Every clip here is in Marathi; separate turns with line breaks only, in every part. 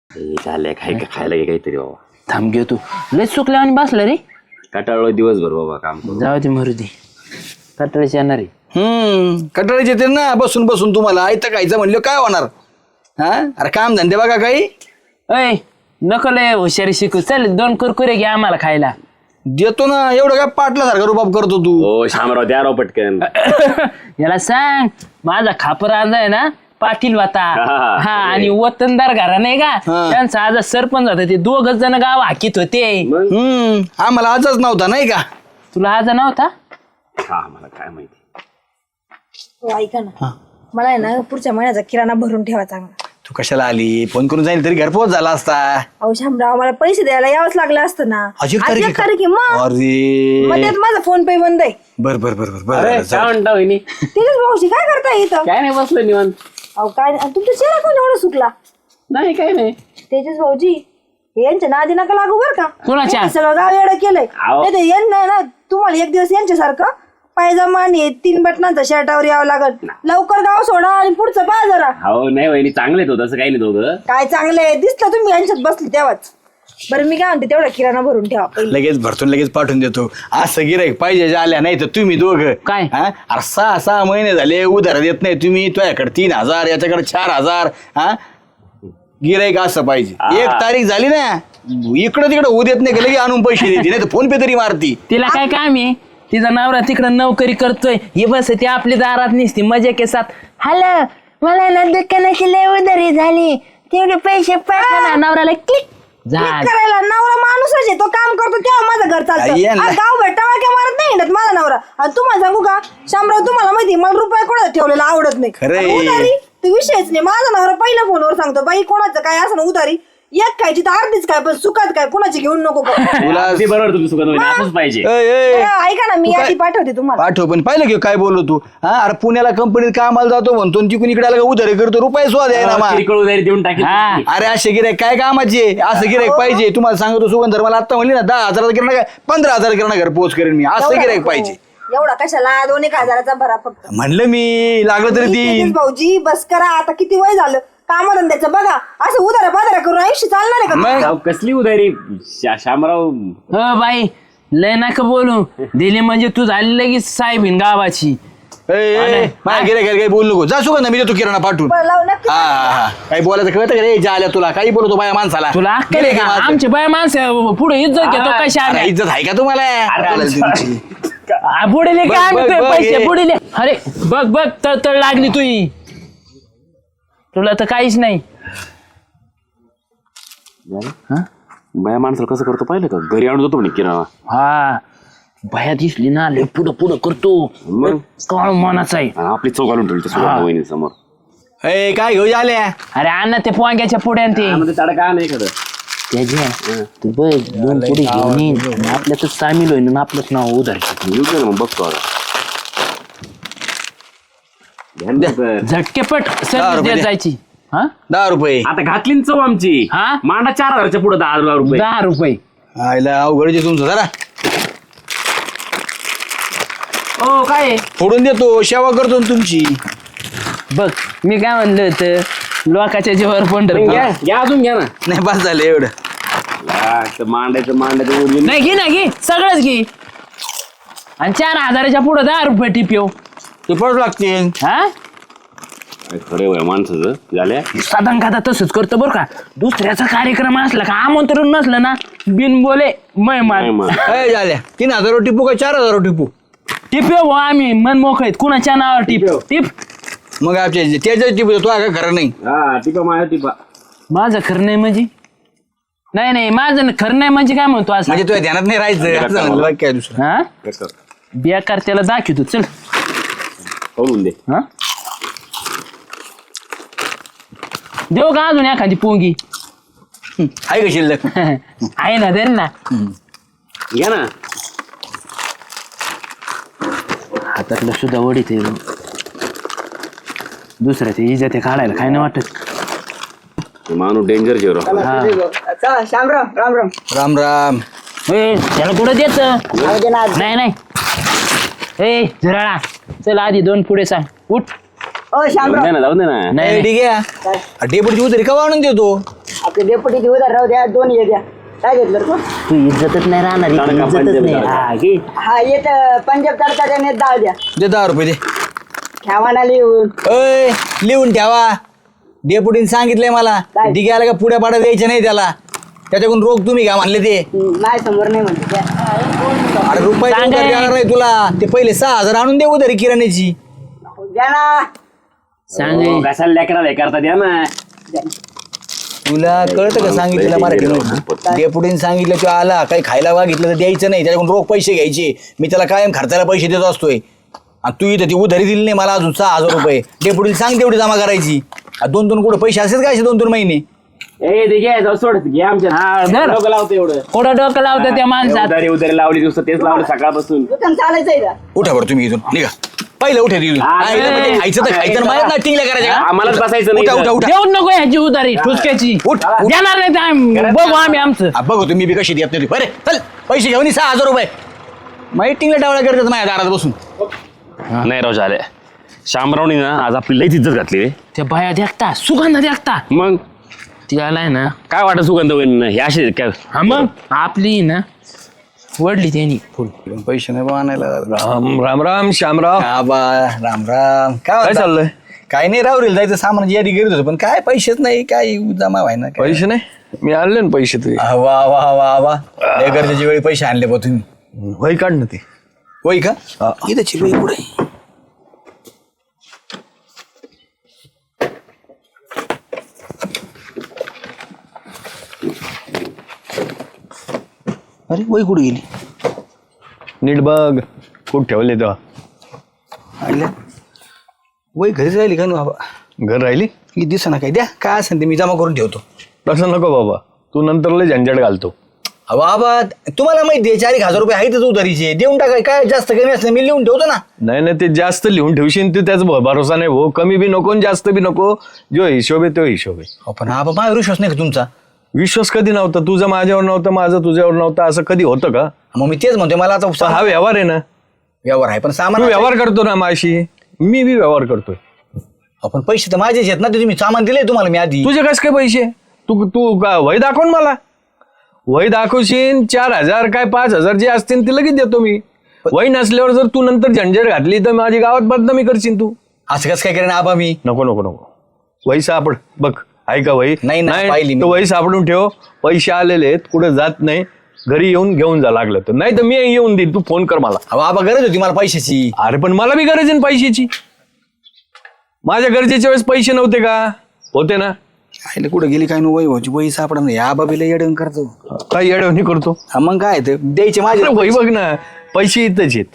झालंय काय खायला घे काहीतरी बाबा.
थांब घेऊ तू लय चुकला आणि बसला रे.
कटाळलो दिवसभर बाबा काम करू.
जाऊ दे मरुदी कटाळीची येणार आहे.
कटाळीचे येते ना बसून बसून तुम्हाला आयतं खायचं म्हणलं काय होणार. हा अरे काम धंदे बघा काही.
अय नको लय हुशारी शिकू. चल 2 कुरकुरे घे आम्हाला खायला.
देतो ना एवढं काय पाटल्यासारखा रुबाब करतो तू.
हो शामराव द्या राव पटकन.
याला सांग माझा खापर आज आहे ना पाटील वाता. हा आणि वतनदार घरा नाही का त्यांचा आज सरपंच होता. ते 2 जण गाव हाकीत होते.
आम्हाला आजच नव्हता नाही का.
तुला आज नव्हता.
हा मला काय माहिती.
ऐका ना मला आहे ना पुढच्या महिन्याचा किराणा भरून ठेवा चांगला.
तू कशाला आली फोन करून जाईल तरी घरपोच झाला असता.
अहो शामराव मला पैसे द्यायला यावंच लागलं असतं ना.
आज 1
आज 1 तारीख आहे मग.
अरे
मग त्यात माझा फोन पे बंद आहे.
बर बर बर बर
अरे
बर
काय म्हणता वहिनी.
तेजस भाऊशी काय करताय इथं.
काय नाही बसलो निवांत.
अहो काय तुमचा चेहरा कोण एवढा सुकला.
नाही काय नाही.
तेजस भाऊजी यांच्या नादी नका लागू बर का.
कोणाच्या?
यांनी सगळं गाव एवढं केलंय.
अहो.
नाही तर यांना ना तुम्हाला एक दिवस यांच्यासारखं पायजमा आणि 3 बटनांचा शर्टावर यावं लागल. लवकर गाव सोडा आणि पुढचं पहा जरा.
हो नाही वहिनी चांगले तो तसं काही नाही दोघं.
काय चांगले दिसलं तुम्ही यांच्यात बसले तेव्हाच. बरं मी काय म्हणते तेवढा किराणा भरून ठेवा पहिले.
लगेच भरतून लगेच पाठवून देतो. असं गिराईक पाहिजे आल्या नाही तर तुम्ही दोघं
काय?
अरे 6 महिने झाले उधार देत नाही तुम्ही. तुझ्याकडे 3,000 याच्याकडे 4,000. हा गिराईक असं पाहिजे. 1 तारीख झाली ना इकडं तिकडं होऊ देत नाही की लगे आणून पैसे देते नाही तर फोन पे तरी मारती.
तिला काय काम आहे. तिचा नवरा तिकडं नोकरी करतोय. हे बस ती आपली दारात निसती मजा के साथ. हॅलो मला ना दुकानाची लय उधारी झाली तेवढे पैसे पाठवा. नवऱ्याला क्लिक
क्लिक करायला नवरा माणूसच आहे. तो काम करतो तेव्हा माझं घर चालतं. गाव भेटावा मारत नाही हिंडत माझा नवरा. आणि तुम्हाला सांगू का शामराव तुम्हाला माहिती मला रुपये कोणाचा ठेवलेला आवडत नाही.
खरंय.
उधारी ते विषयच नाही. माझा नवरा पहिल्या फोनवर सांगतो बाई कोणाचं काय असं उधारी एक खायची तर अर्धीच काय पण सुखात काय कोणाची घेऊन नको करू.
तुला
अगदी बरोबर तुमचं सुखात वहिनी असंच पाहिजे.
ऐका ना मी यादी पाठवते तुम्हाला.
पाठव पण पाहिलं की काय बोललो तू. हा अरे पुण्याला कंपनीत कामाला जातो म्हणतो तिकडून इकडे आला उधारी करतो रुपये सुद्धा द्यायला मा.
किरकोळ उधारी देऊन टाकेल.
अरे असे गिराईक काय कामाचे. असं गिराईक पाहिजे. तुम्हाला सांगतो सुगंधर मला आता म्हणली ना 10,000 किराणा काय 15,000 किराणा घर पोच करेन मी. असं गिराईक पाहिजे.
एवढा कशाला 2,000 भरा फक्त.
म्हणलं मी लागलं तरी ती
भाऊजी बस करा आता किती वय झालं कामाधंद्याचं बघा. असं उधारा बाजारा करून आयुष्य चालणार आहे का.
राव, कसली उधारी शामराव.
हो बाई लय नका बोलू. दिली म्हणजे तू झाली लगेच साहेबीन गावाची.
माझ्या गिराईक काही बोलू नको. जा सुगंध मी देतो किराणा पाठवून.
बरं, लाव नक्की.
हा काही बोलायचं कळतं का रे आल्या तुला काही बोलतो बाया माणसाला.
तुला अक्कल आहे का? आमची बाय माणसं पुढे इज्जत घेतो कशा
अरे, इज्जत आहे का तुम्हाला तुमची?
बुडीले
बघ,
काय
बघ,
आणतोय
बघ,
पैसे
हे.
बुडीले. अरे बघ बघ तळ लागली तुई. तुला तर काहीच नाही.
बाया माणसाला कसं करतो पाहिलं का. घरी आणून जातो म्हणे किराणा.
हा भया दिसली ना लय पुढं पुढं करतो.
मग
काळ मनाचा आहे.
आणि आपली चौक घालून ठेवली सुगंध वहिनी समोर.
ए काय घेऊ आल्या.
अरे अण्णा ते पोंग्याच्या पुढे ते
त्याला काय नाही एखादं.
त्याच्या तू बघ 2 पुढे घेऊन येईन आपल्यातच सामील होईन आपलंच नाव उधार.
येऊ दे ना मग बघतो आता. ध्यान द्या तर.
झटकेपट
दहा
सर्विस
रुपये
देत
म्हणजे?
दे.
जायची. हा
10 रुपये.
आता घातली ना चव आमची.
हा?
मांडा 4,000च्या पुढे 10,000 रुपये.
10 रुपये.
आयला अवघडचे तुमचं जरा
ओ काय
फोडून देतो सेवा करतो ना तुमची.
बघ मी काय म्हणलं होतं लोकाच्या जीवावर पंढरपूर.
घ्या अजून घ्या ना.
नाही बस झालं एवढं.
मांडायचं ओरिजिनल.
नाही घे ना घे सगळंच घे. आणि 4,000च्या पुढे 10 रुपये टिप्यो.
ते पडू लागते.
हा
खरे वय माणसाचं झाल्या.
साधारण खाता तसंच करतो बरं का. दुसऱ्याचा कार्यक्रम असला का आमंत्रण नसलं ना बिन बोले मेहमान
झाल्या 3,000 टिपू का 4,000 टिपू.
टिप्यो हो आम्ही मन मोकळीत कुणाच्या नावावर टिप टिप.
मग त्याच्याच टिपू तो काय खरं नाही.
हा टिपा माझ्या टिपा.
माझं खरं नाही म्हणजे नाही माझं खरं नाही म्हणजे काय म्हणतो असं.
म्हणजे तुझ्या ध्यानात नाही राहायचं असं म्हणलं बाकी काय दुसरं.
हा बेकार त्याला दाखवतो चल.
करून दे.
हा देऊ का अजून एखादी पोंगी.
आहे का शिल्लक.
आहे ना दे ना.
घ्या ना.
हातातलं सुद्धा वडीत आहे. दुसऱ्या ते इजा ते काढायला काय नाही वाटत.
माणूस डेंजर जेरो.
शामराव राम राम.
राम राम.
ए त्याला कुठं देत नाही नाही. ए झुराळा चल आधी 2 पुढे सांग उठ.
ओ शामराव
जाऊ दे ना.
नाही
ठीक आहे डेपुटीची उतरी का आणून देतो.
आपले डेपुटीची उधार राहू द्या, 2 हे द्या. काय घेतलं रे तू?
तू इज्जतच नाही राहणार इथे,
तडका
इज्जतच
पंजाबी
नाही.
तडका.
हा, घे.
हा येत पंजाब तडका त्याने 10 द्या.
दे 10 रुपये दे.
ठेवा ना लिहून.
अय लिहून ठेवा. डेपुटीने सांगितलंय मला
काय?
डिग्याला का पुढ्या पाड्या द्यायच्या नाही त्याला. त्याच्याकडून रोख तुम्ही घ्या म्हणले ते.
माझ्या समोर नाही म्हणते त्या.
अरे रुपये
सांग
उधार
रे.
देणार नाही तुला. ते पहिले 6000 आणून दे उधारी किराण्याची.
द्या ना.
सांग
हो, कशाला लेकराला हे करता द्या ना.
तुला कळतं का सांगितलं मराठी? डेपुटीने सांगितलं तू आला काही खायला मागितलं तर द्यायचं नाही, त्याच्याकडून रोख पैसे घ्यायचे. मी त्याला कायम खर्चाला पैसे देत असतोय. आणि तू इथं ती उधारी दिली नाही मला अजून 6000 रुपये. डेपुटीला सांग तेवढी जमा करायची. 2-2 कुठं पैसे असेच काय 2-2 महिने.
ए ते घे जाऊ सोड घे आमच्या
हा, धर.
डोकं लावतो एवढं.
कोणा डोकं लावतं त्या माणसात.
उधारी लावली दिवस तेच लावलं सकाळपासून.
दुकान चालायचंय का?
उठा बरं तुम्ही इथून निघा. पहिलं उठा तिथून.
हा,
हा, इथं म्हणजे खायचं तर खायचं माझ्या ना टिंगल्या करायच्या का?
आम्हालाच बसायचं नाही
उठा उठा
इथं.
उठा.
देऊन नको ह्याची उधारी ठुसक्याची.
उठ, उठ.
देणार नाही तर आम्ही बघू आम्ही आमचं.
हा, बघू तुम्ही बी कशी देत नाही. बरे चल पैसे घेऊन ये 6000 रुपये. माहिती टिंगल्या टावळ्या करतात माझ्या दारात बसून.
नाही राव झाले. शामरावनी ना आज आपली लईच इज्जत घातली रे.
त्या बाया देखता सुगंध देखता
मग
ती आलाय ना.
काय वाटत सुगंध होईल हे असे काय.
हा मग आपली ना वडली त्यांनी फुल.
पैसे नाही बा आणायला.
राम राम राम श्यामराव.
हा बा राम राम.
काय
म्हणता?
चाललंय?
काय नाही राहुरील जायचं सामान यादी करत होतो पण काय पैसेच नाही काय जमा व्हाय ना काय.
पैसे नाही? मी आणले ना पैसे तुझे.
हा, वा वा वा वा लय गरजेच्या वेळी पैसे आणले बा तुम्ही.
वही काढ ना ते.
होय का इथं चिकळी पुढे. अरे वही कुठे गेली?
नीट बघ कुठं ठेवले तेव्हा.
आल्या वही घरीच राहिली का ना बाबा?
घर राहिली?
ही दिसा ना काय द्या काय असेल ते मी जमा करून ठेवतो.
तसं नको बाबा, तू नंतर लय झंझट घालतो.
बाबा तुम्हाला माहिती आहे 4,000 रुपये आहेतच उधारीचे देऊन टाकाय काय जास्त कमी असलं मी लिहून ठेवतो ना.
नाही नाही, ते जास्त लिहून ठेवशील ते त्याचा भरोसा नाही भाऊ. कमी बी नको आणि जास्त बी नको. जो हिशोब आहे तो हिशोब आहे.
पण हा बाबा विश्वास नाही का तुमचा?
विश्वास कधी नव्हता तुझा माझ्यावर नव्हता, माझा तुझ्यावर नव्हता, असं कधी होतं का?
मग मी तेच म्हणतोय मला आता
हा व्यवहार आहे ना.
व्यवहार आहे पण
तू
सामान
व्यवहार करतो ना माझी, मी बी व्यवहार करतोय.
आपण पैसे तर माझेच आहेत ना ते तुम्ही सामान दिले तुम्हाला मी आधी.
तुझे कस काय पैसे? तू तू का वही दाखव ना मला. वही दाखवशील 4,000 काय 5,000 जे असतील ते लगेच देतो मी. वही नसल्यावर जर तू नंतर झंझट घातली तर माझी गावात बदनामी करशील तू.
असं कसं काय करेन आबा मी?
नको नको नको. वही सापड बघ. आहे का वही?
नाही ना, पाहिली मी.
तर वही सापडून ठेव. पैसे आलेले आहेत कुठे जात नाही. घरी येऊन घेऊन जा लागलं तर, नाही तर मी येऊन देईन. तू फोन कर मला.
अहो आबा गरज होती मला पैशाची.
अरे पण मला बी गरज आहे ना पैशाची. माझ्या गरजेच्या वेळेस पैसे नव्हते का? होते ना.
आईला कुठं गेली काय नो वही व्हायची वही सापडा नाही. आबा बिला येडवून करतो.
काय येडवणी करतो?
हा मग काय ते द्यायचे माझे.
अरे वही बघ ना, पैसे इथंच आहेत.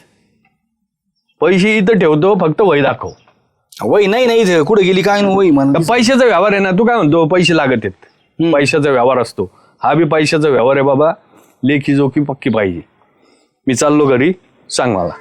पैसे इथं ठेवतो, फक्त वही दाखव.
वही नाही नाही इथं कुठं गेली काय नो वही
तर
म्हणून.
पैशाचा व्यवहार आहे ना. तू काय म्हणतो पैसे लागत आहेत. पैशाचा व्यवहार असतो. हा बी पैशाचा व्यवहार आहे बाबा. लेखी जोखी पक्की पाहिजे. मी चाललो घरी, सांग मला.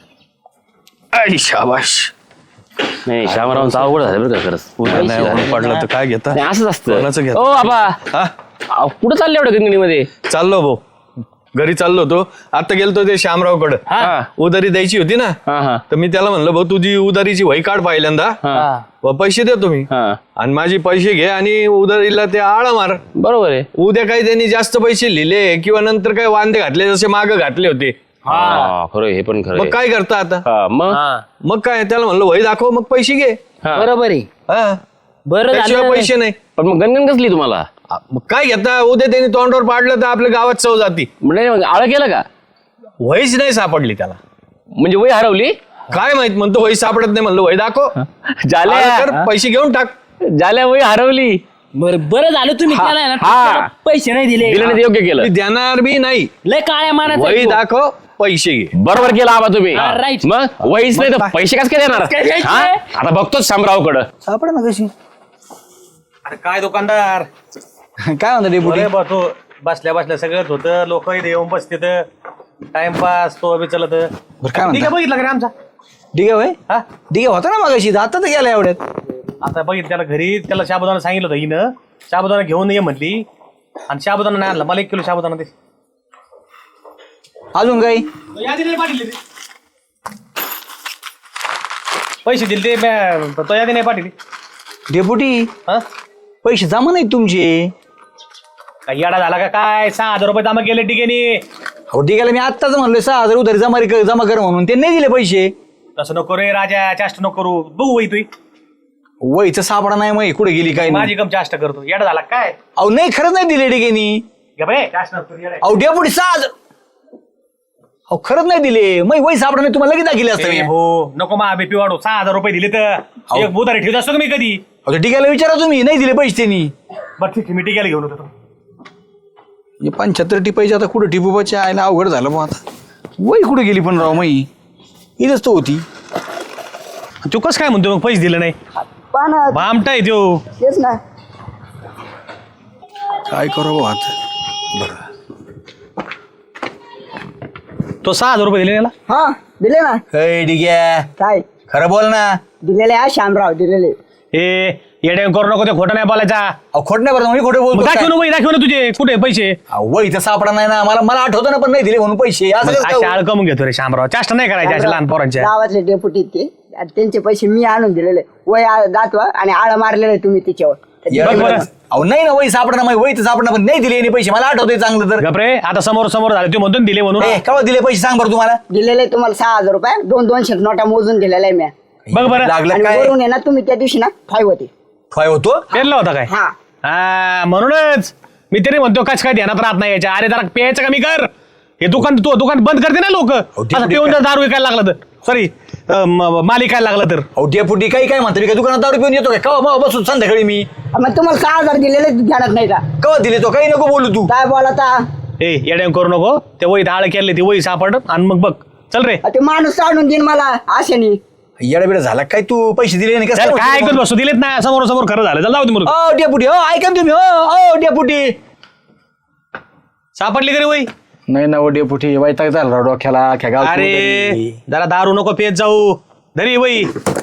आई शाबाश.
नाही शामरावांचं अवघड झालं बरं का खरंच.
नाही ऊन पडलं तर काय घेता?
नाही, असंच
कोणाचं
असतं.
घेता?
ओ बाबा
हा
कुठं चालले एवढं गंगणीमध्ये?
चाललो भाऊ, घरी चाललो होतो. आता गेलतो ते श्यामरावकडे.
हा.
उधारी द्यायची होती ना.
हा हा
तर मी त्याला म्हणलं भाऊ तुझी उधारीची वही काढ पहिल्यांदा.
हा
व पैसे देतो मी.
हा
आणि माझी पैसे घे आणि उधारीला ते आळा मार.
बरोबर आहे.
उद्या काही त्यांनी जास्त पैसे लिहिले किंवा नंतर काही वांदे घातले जसे माग घातले होते,
हा खरं आहे, हे पण खरं
मग
आहे.
काय करता आता?
हा, मग
मग काय त्याला म्हणलं वही दाखव मग पैसे घे.
हा.
बरोबर आहे.
हा.
बरं
त्याशिवाय
झालं.
पैसे नाही.
पण मग गणगण कसली तुम्हाला?
मग काय घेता? उद्या त्यांनी तोंडावर पाडलं तर आपल्या गावात चव जाती.
म्हणजे मग आळ केलं का?
वहीच नाही सापडली त्याला.
म्हणजे वही हरवली?
काय माहित, म्हणतो वही सापडत नाही. म्हणलं वही दाखव.
झाल्या
आलं तर पैसे घेऊन टाक.
झाल्या वही हरवली.
बरं झालं तुम्ही
हा,
त्याला ना
हा.
त्याला पैसे नाही दिले.
दिलं नाही ते योग्य
मी
केलं.
देणार बी नाही.
लय काळ्या मानाचा
वही
आहे तो.
दाखव पैसे घे.
बरोबर केलं आबा तुम्ही.
हा, right.
मग वहीच नाही तर पैसे कस काय देणार?
काय द्यायचे?
हा? आता बघतोच शामरावकडं.
सापडा ना कशी.
अरे काय दुकानदार
काय म्हणता डेपुटी?
बरे बा तू बसल्या बसल्या सगळंच होतं. लोक इथे येऊन बसते टाइमपास तो बी चलत.
बरं काय
ठीक आहे,
म्हणता?
बघितलं का रे आमचा?
डिगे होय
हा
डिगे होता ना मगाशी आता तर गेला एवढ्यात.
आता बघितलं त्याला घरी. त्याला साबुदाणा सांगितलं होतं हिनं. साबुदाणा घेऊन ये म्हटली आणि साबुदाणा नाही आणला. मला 1 किलो साबुदाणा दे.
अजून काही
यादी नाही पाठवली ती. पैसे दिले ते तो यादी नाही पाठवली.
डेपुटी
हा
पैसे जमा नाहीत तुमचे.
काय येडा झाला का काय? 6,000 रुपये जमा केले टिकेनी.
हो ठीक आहे, मी आत्ताच म्हणलोय 6,000 उधारी जमा कर म्हणून, ते नाही दिले पैसे.
तसं नको रे राजा, चाष्ट नको करू. बघू वही तुई
वहीचं सापडा नाही मग कुठे गेली काय नाही.
माझी कम चाष्ट करतो. येडा झाला काय?
अहो नाही, खरंच नाही दिले डिगेनी.
घे बाई, चाष्ट नको करू, येडा.
अहो डेपुटी 6,000. अहो खरंच नाही दिले, मग वही सापडा नाही, तुम्हाला लगेच दाखिले असतं मी.
हो नको मा बीपी वाढू. 6,000 रुपये दिले तर एक उधारी ठेवत असतो का मी कधी?
अहो डिग्याला विचारा तुम्ही, नाही दिले पैसे त्यांनी.
बरं ठीक आहे, मी टिकायला घेऊन होतो.
75 टिपायचे आता कुठे टिपूबाच्या आयला अवघड झालं मग आता. वही कुठे गेली पण राव मई, इथंच तो होती.
तू कसं काय म्हणतो मग पैसे दिले नाही?
पाना
भामटा आहे त्यो.
तेच ना.
काय करू भाऊ आता.
तो 6,000 रुपये दिले याला.
हा दिले ना.
डिग्या
काय
खरं बोल ना.
दिलेले आहे श्यामराव, दिलेले.
ए येडे करू नको, ते खोटं नाही बोलायचा.
अहो खोट नाही बरं, मी खोटे
मग
बोलतो
दाखव
काय?
ना वही, दाखव ना तुझे कुठे पैसे.
वहीचा सापडा नाही ना, मला आठवतं ना, पण नाही दिले म्हणून पैसे. असं कसं
अशा
काय?
आळ कमून घेतो रे शामराव. चाष्ट नाही करायच्या अशा लहान पोरांच्या.
गावातले डेप्युटी ते आणि त्यांचे पैसे मी आणून दिलेले. वय दाखवा आणि आळ मारलेले तुम्ही तिच्यावर.
बघ बरं.
अहो नाही ना, वही सापडा नाही, वही तर सापडा, पण नाही दिले यांनी पैसे. मला आठवतंय चांगलं तर.
गपरे, आता समोर समोर झाले, तू म्हणतो ना दिले म्हणून.
केव्हा दिले पैसे सांग बरं तुम्हाला.
दिलेले तुम्हाला 6,000 रुपये, 200 नोटा मोजून दिलेल्या आहे मी.
बघ बरं.
लागलं
आणि
काय
वरून आहे ना, तुम्ही त्या दिवशी ना 5 होते.
काय होतो.
पेरला होता काय?
हा
हा म्हणूनच मी तरी म्हणतो कस काय ध्यानात राहत नाही याच्या. अरे जरा प्यायचं कमी कर. हे दुकान तू दुकान बंद करते ना लोक.
ठीक
असं पिऊन जर दारू विकायला लागला तर, सॉरी माल विकायला लागला तर.
अहो डेपुटी काय म्हणतो मी, काय दुकानात दारू पिऊन येतो काय? केव्हा बसून संध्याकाळी मी
मग तुम्हाला 6,000 दिलेले ध्यानात नाही का?
केव्हा दिले तो, काही नको बोलू तू.
काय बोलाता?
ए येड्या करू नको. ते वही आळ केले, ती वही सापड आणि मग बघ. चल रे.
ते माणूस आणून देईन मला आशेनी.
येडाबिडा झाला काय, तू पैसे दिले नाही
चल, काय ऐकत बसू, दिलेत ना समोर समोर खरं झालं. चल जाऊ दे म्हणून.
ओ डेपुटी, हो ऐका ना तुम्ही. हो डेपुटी.
सापडली का रे वही?
नाही ना, ओ डेपुटी वैताग झाला राव डोक्याला. अख्ख्या गावात
अरे जरा दारू नको पेत जाऊ. धरी वही.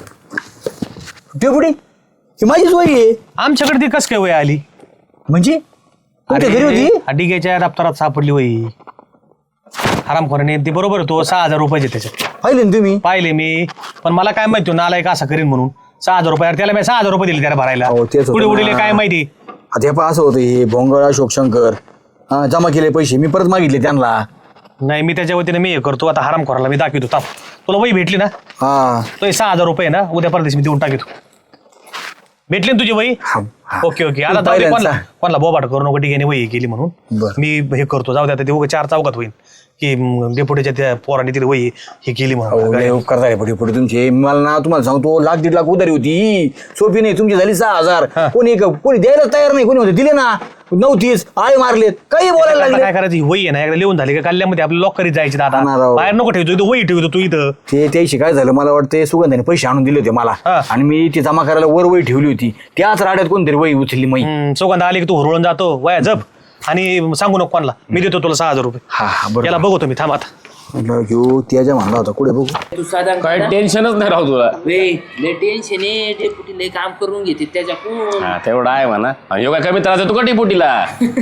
डेपुटी ही माझीच वही आहे.
आमच्याकडे ती कस काय वही आली?
म्हणजे तुमच्या घरी होती.
डिगेच्या दप्तरात सापडली वही. हरामखोराने ते बरोबर तो 6,000 रुपये त्याच्यात
पाहिले ना तुम्ही.
पाहिले मी. पण मला काय माहिती नालायक असं करीन म्हणून. 6,000 रुपये त्याला मी 6,000 रुपये दिले त्याला भरायला.
हो, तेच होतं
पुढे
ना.
उडीले काय माहिती.
आता हे पहा असं होतं, हे भोंगळ अशोक शंकर जमा केले पैसे, मी परत मागितले त्यांना.
नाही मी त्याच्या वतीने मी हे करतो. आता हरामखोराला मी दाखवतो. ताप तुला वही भेटली ना,
हा
तो 6,000 रुपये ना उद्या परदेश मी देऊन टाकतो. भेटली ना तुझी वही?
हा.
Okay okay. आता
तू
जाऊ दे,
पहिल्यांदा.
कोणाला बोबाट करू नको. ठीक आहे वही केली म्हणून
बरं.
मी हे करतो. जाऊ दे आता, ते उगा 4 चौकात होईल की डेपुटीच्या त्या पोराने तिथे वही हे केली म्हणून.
लय उपकार झाले पुढे पुढे तुमचे. मला ना तुम्हाला सांगतो, 1,00,000-1,50,000 उधारी होती. सोपी नाही, तुमची झाली 6,000. कोणी द्यायला तयार नाही. कोणी होते दिले ना, नव्हतीच आळे मारलेत, काही बोलायला
आता
लागले.
काय करायची वही आहे ना, एकदा लिहून झाली का कल्ल्यामध्ये आपल्या लॉकरीत जायची. दादा
हा ना राव.
बाहेर नको ठेवतो इथं, वही ठेवतो तू इथं.
ते त्याशी काय झालं, मला वाटतं सुगंधाने पैसे आणून दिले होते मला,
हा.
आणि मी ती जमा करायला वर वही ठेवली होती. त्याच राड्यात कोणतरी वही उचलली मी.
सुगंध आली की तू हुरळून जातो. वया जप आणि सांगू नको कोणाला. मी देतो तुला 6,000 रुपये.
हा हा बरं.
याला बघतो मी. थांब आता.
घेऊ त्याच्या म्हणला होता कुठे बघू.
तू साधा
काय टेन्शनच नाही राहू तुला.
लय टेन्शन आहे. डेपुटी लय काम करून घेते त्याच्याकडून.
हा तेवढा आहे म्हणा. ह्यो काय कमी त्रास देतो का टिपुटीला?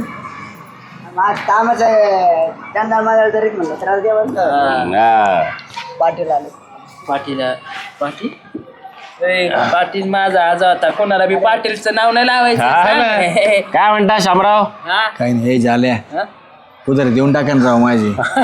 माझ कामच आहे. त्यांना मला तरी म्हणलं त्रास द्यावा.
हा.
पाटील आले.
पाटील पाटील माझा आज होता. कोणाला बी पाटीलचं नाव नाही लावायचं.
हा ना.
सांग.
काय म्हणता शामराव?
हा?
काही नाही, हे झाल्या उधारी देऊन टाका ना राव माझी.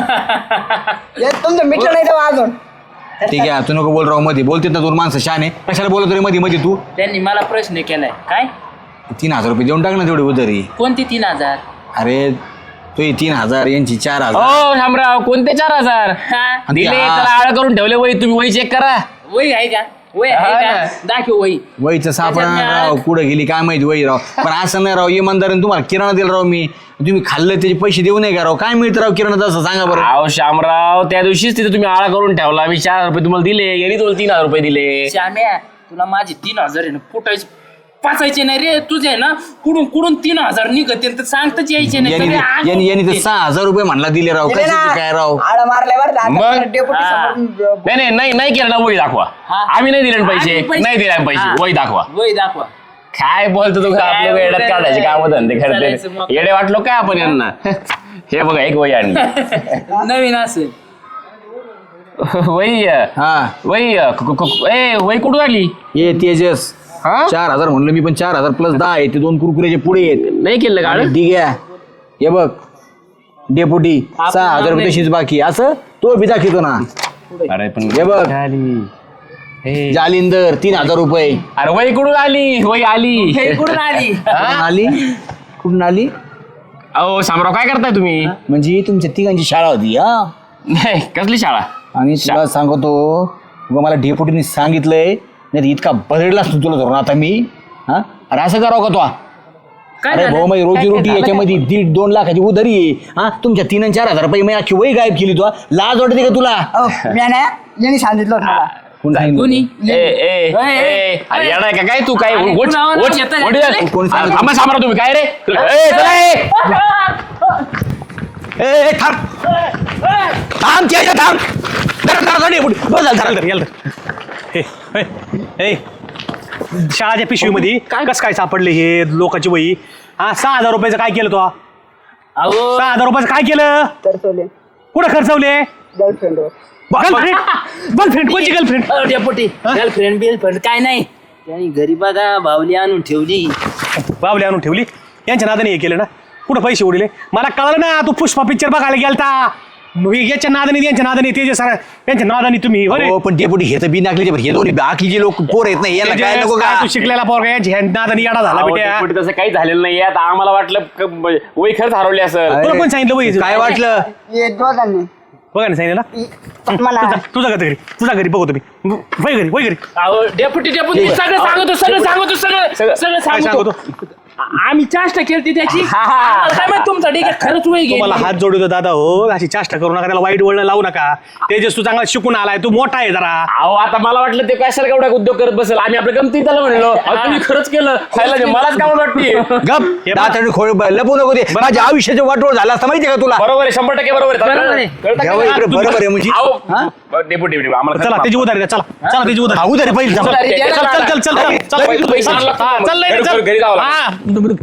हे तुमचं मित्र नाही तेव्हा अजून.
ठीक आहे, तू नको बोल राव मध्ये. बोलते ना, दोन माणसं शाने, कशाला बोलत रे मध्ये मध्ये तू.
त्यांनी मला प्रश्न केलाय. काय?
3,000 रुपये देऊन टाक ना तेवढी उधारी.
कोणती 3,000?
अरे तू 3,000 यांची 4,000.
हो शामराव, कोणते 4,000
हा?
दिले?
हा.
त्याला आळ करून ठेवले वही. तुम्ही वही चेक करा.
वही आहे का? वही आहे
हा
का?
ना.
दाखव वही.
वहीचं सापडा
त्याच्यात
राव,
मी
कुठं गेली काय माहिती वही राव. पण असं नाही राव, इमानदारीने तुम्हाला किराणा दिला राव मी. तुम्ही खाल्लं त्याचे पैसे देऊ नये का राव? काय मिळतं राव किराणा असं सांगा बरं.
अहो शामराव, त्या दिवशीच तिथे तुम्ही आळा करून ठेवला. मी 4,000 रुपये तुम्हाला दिले. यांनी तुम्हाला 3,000 रुपये दिले.
श्याम्या, तुला माझे 3,000 आहे ना फुटायचे पाचायचे नाही रे. तुझे आहे ना कुडून 3,000 निघते तर सांगताच यायचे नाही. सगळे आग
यांनी तर
होते.
6,000 रुपये म्हणला दिले राव.
दिले
कशाचे
ना.
काय राव.
आळा मारल्यावर
मग?
डेप्युटी
हा.
समोर
नाही केलं ना वही दाखवा.
हा.
आम्ही नाही दिले ना पैसे.
आम्ही पैसे-
नाही दिले आम्ही पैसे.
हा.
वही दाखवा.
वही दाखवा.
काय बोलतो तू?
काय
आपल्या वेळात
बोलतोय?
काढायचे काम धंदे
चालायचं मग.
करते. येडे वाटलो काय आपण यांना? हे बघा एक वही आणली.
नवीन असेल.
वही
हा
वही वही कुठून आली?
ये तेजस
हा?
4,000 म्हणलं मी, पण 4,000 + 10 आहे. ते 2 कुरकुरेचे पुढे आहेत.
नाही केलं का?
ठीक आहे. हे बघ डेपुटी 6,000 रुपये तशीच बाकी असं तो बी दाखवतो ना.
अरे पण
हे बघ जालिंदर 3,000 रुपये.
अरे वही कुठून आली वही आली
कुठून आली
आली कुठून आली?
अहो शामराव काय करताय तुम्ही?
म्हणजे तुमच्या तिघांची शाळा होती हा.
नाही कसली शाळा?
आणि तुला सांगतो उगा मला डेपुटीने सांगितलंय नाही तर इतका बदललाच तू तुला धरून आता मी. हा अरे असं करावं का तो? अरे भाऊ माझी रोजी रोटी याच्यामध्ये 1.5-2 लाखाची उधारी आहे. हा तुमच्या 3 आणि 4,000 रुपये मी अख्खी वही गायब केली. तू लाज वाटते का तुला?
मी नाही यांनी सांगितलं होतं मला.
कोण सांगितलं?
कोणी
अरे येणार का काय तू काय
अरे,
वोट-
कुणावर
वोट-
येतं?
वोट-
कोणी- कोणी सांगितलं?
थांबा शामराव तुम्ही काय रे चला ए.
ए थांब थांब त्याच्या थांब धर डेपुटी बस झालं, धर.
शाळाच्या पिशवीमध्ये कस काय सापडले हे लोकांची वही? हा 6,000 रुपयाचं काय केलं तो?
अहो
6,000 रुपयाचं काय केलं?
तर सोले
कुठं खर्चवले?
गर्लफ्रेंडवर.
गर्लफ्रेंड कोणची गर्लफ्रेंड?
डेपुटी गर्लफ्रेंड बिलफ्रेंड काय नाही त्यांनी घरी बघा बावली आणून ठेवली.
बावली आणून ठेवली. यांच्या नादाने हे केलं ना. कुठं पैसे उडले मला कळलं ना. तू पुष्पा पिक्चर बघायला गेलता. याच्या नादाने यांच्या नादाने ते जे सारा यांच्या नादाने तुम्ही
हो पण डेपुटी हे तर बिनाकलीचे हे दोन्ही बाकीचे लोक पोर येत नाही याला काय नको का?
तू शिकलेला पोरगा यांच्या नादाने येडा झाला बेट्या.
डेपुटी तसं काही झालेलं नाही आता आम्हाला वाटलं वही खरंच हरवली असं.
तुला कोण सांगितलं वही?
काय वाटलं?
हे दोघांनी
बघा ना सांगितलं
मला
ना. तुझा घरी बघतो मी. वय घरी
अहो डेपुटी सगळं सांगतो सगळं
काय
सांगतो. आम्ही चाष्टा केली त्याची आम्हाला काय माहित तुमचा ठीक आहे खरंच वय
तुम्हाला
गेली.
हात जोडतो दादा हो. अशी चाष्टा करू नका. त्याला वाईट वळण लावू नका. तेजस तू चांगला शिकून आलाय. तू मोठा आहे जरा.
अहो आता मला वाटलं ते कशाला एवढा उद्योग करत बसेल. आम्ही आपल्या गमती त्याला म्हणलो अहो, तुम्ही खरंच केलं खायला दे. मलाच काय वाटते.
गप दाताने खोळ लपू नको ते माझ्या आयुष्याचं वाटोळ झालं असतं माहितीये का तुला?
बरोबर आहे 100% बरोबर आहे.
बरोबर आहे.
कळतं का
घ्यावं
नाही?
इकडे बरोबर आहे म्हणजे
अहो, डेपुटी आम्हाला
चला त्याची उधारी द्या. चला त्याची उधारी.
उधारी पहिली
उधारी द्या.
चल
पैसे आणला.
चल
घरी जावं लागतं.
हा